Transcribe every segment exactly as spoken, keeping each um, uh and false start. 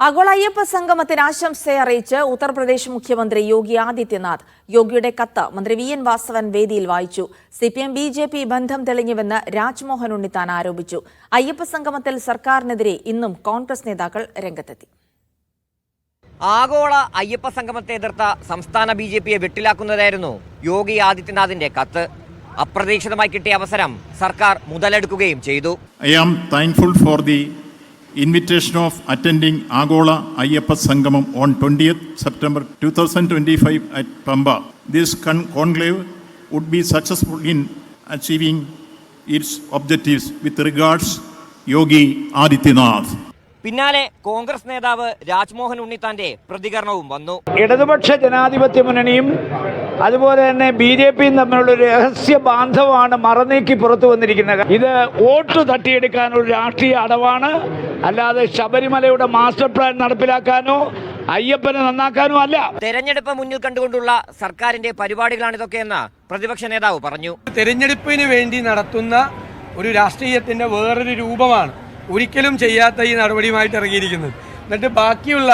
ആഗോള അയ്യപ്പ സംഗമത്തിന് ആശംസയെ അറിയിച്ച് ഉത്തർപ്രദേശ് മുഖ്യമന്ത്രി യോഗി ആദിത്യനാഥ്. യോഗിയുടെ കത്ത് മന്ത്രി വി എൻ വാസവൻ വേദിയിൽ വായിച്ചു. C P M B J P ബന്ധം തെളിഞ്ഞുവെന്ന് രാജ്മോഹൻ ഉണ്ണിത്താൻ ആരോപിച്ചു. അയ്യപ്പ സംഗമത്തിൽ സർക്കാരിനെതിരെ ഇന്നും കോൺഗ്രസ് നേതാക്കൾ രംഗത്തെത്തി. ആഗോള അയ്യപ്പ സംഗമത്തെ എതിർത്ത സംസ്ഥാന ബി ജെ പിയെ വെട്ടിലാക്കുന്നതായിരുന്നു യോഗി ആദിത്യനാഥിന്റെ കത്ത്. അപ്രതീക്ഷിതമായി കിട്ടിയ അവസരം സർക്കാർ മുതലെടുക്കുകയും ചെയ്തു. I am thankful for the invitation of attending Agola Ayyappa Sangamam on twentieth September twenty twenty-five at Pamba. This con- conclave would be successful in achieving its objectives with regards Yogi Adityanath. പിന്നാലെ കോൺഗ്രസ് നേതാവ് രാജ്മോഹൻ ഉണ്ണിത്താന്റെ പ്രതികരണവും വന്നു. ഇടതുപക്ഷ ജനാധിപത്യ മുന്നണിയും അതുപോലെ തന്നെ B J പിയും തമ്മിലുള്ള ഒരു രഹസ്യ ബാന്ധവമാണ് മറനീക്കി പുറത്തു വന്നിരിക്കുന്നത്. ഇത് വോട്ട് തട്ടിയെടുക്കാനുള്ള രാഷ്ട്രീയ അടവാണ്, അല്ലാതെ ശബരിമലയുടെ മാസ്റ്റർ പ്ലാൻ നടപ്പിലാക്കാനോ അയ്യപ്പനെ നന്നാക്കാനോ അല്ല. തെരഞ്ഞെടുപ്പ് മുന്നിൽ കണ്ടുകൊണ്ടുള്ള സർക്കാരിന്റെ പരിപാടികളാണിതൊക്കെയെന്ന് പ്രതിപക്ഷ നേതാവ് പറഞ്ഞു. തെരഞ്ഞെടുപ്പിന് വേണ്ടി നടത്തുന്ന ഒരു രാഷ്ട്രീയത്തിന്റെ വേറൊരു രൂപമാണ് ഒരിക്കലും ചെയ്യാത്ത ഈ നടപടിയുമായിട്ട് ഇറങ്ങിയിരിക്കുന്നത്. എന്നിട്ട് ബാക്കിയുള്ള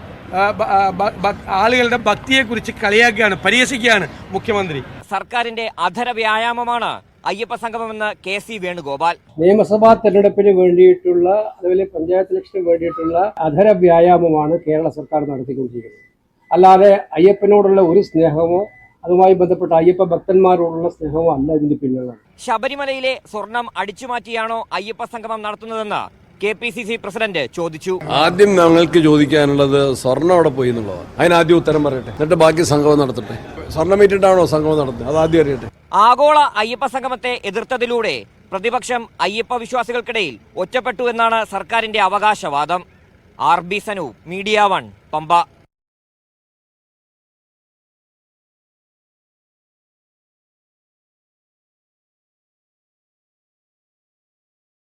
ആളുകളുടെ ഭക്തിയെക്കുറിച്ച് കളിയാക്കുകയാണ്, പരിഹസിക്കുകയാണ് മുഖ്യമന്ത്രി. സർക്കാരിന്റെ അധര വ്യായാമമാണ് അയ്യപ്പ സംഗമമെന്ന് കെ സി വേണുഗോപാൽ. നിയമസഭാ തെരഞ്ഞെടുപ്പിന് വേണ്ടിയിട്ടുള്ള അതുപോലെ പഞ്ചായത്ത് ഇലക്ഷന് വേണ്ടിയിട്ടുള്ള അധര വ്യായാമമാണ് കേരള സർക്കാർ നടത്തിക്കൊണ്ടിരിക്കുന്നത്. അല്ലാതെ അയ്യപ്പനോടുള്ള ഒരു സ്നേഹമോ അതുമായി ബന്ധപ്പെട്ട അയ്യപ്പ ഭക്തന്മാരോടുള്ള സ്നേഹമോ അല്ല ഇതിന്റെ പിന്നിലുള്ളത്. ശബരിമലയിലെ സ്വർണം അടിച്ചുമാറ്റിയാണോ അയ്യപ്പ സംഗമം നടത്തുന്നതെന്ന് K P C C president ചോദിച്ചു. ആദ്യം ഞങ്ങൾക്ക് ചോദിക്കാനുള്ളത് സ്വർണ്ണം അവിടെ പോയി എന്നുള്ളതാണ്. അതിനാദ്യം ഉത്തരം പറയട്ടെ, എന്നിട്ട് ബാക്കി സംഗമം നടത്തട്ടെ. സ്വർണ്ണം ഏറ്റിട്ടാണോ സംഗമം നടത്തുന്നത്, അത് ആദ്യം അറിയട്ടെ. ആഗോള അയ്യപ്പ സംഗമത്തെ എതിർത്തതിലൂടെ പ്രതിപക്ഷം അയ്യപ്പ വിശ്വാസികൾക്കിടയിൽ ഒറ്റപ്പെട്ടു എന്നാണ് സർക്കാരിന്റെ അവകാശവാദം. R B Sanu, media one, Pamba.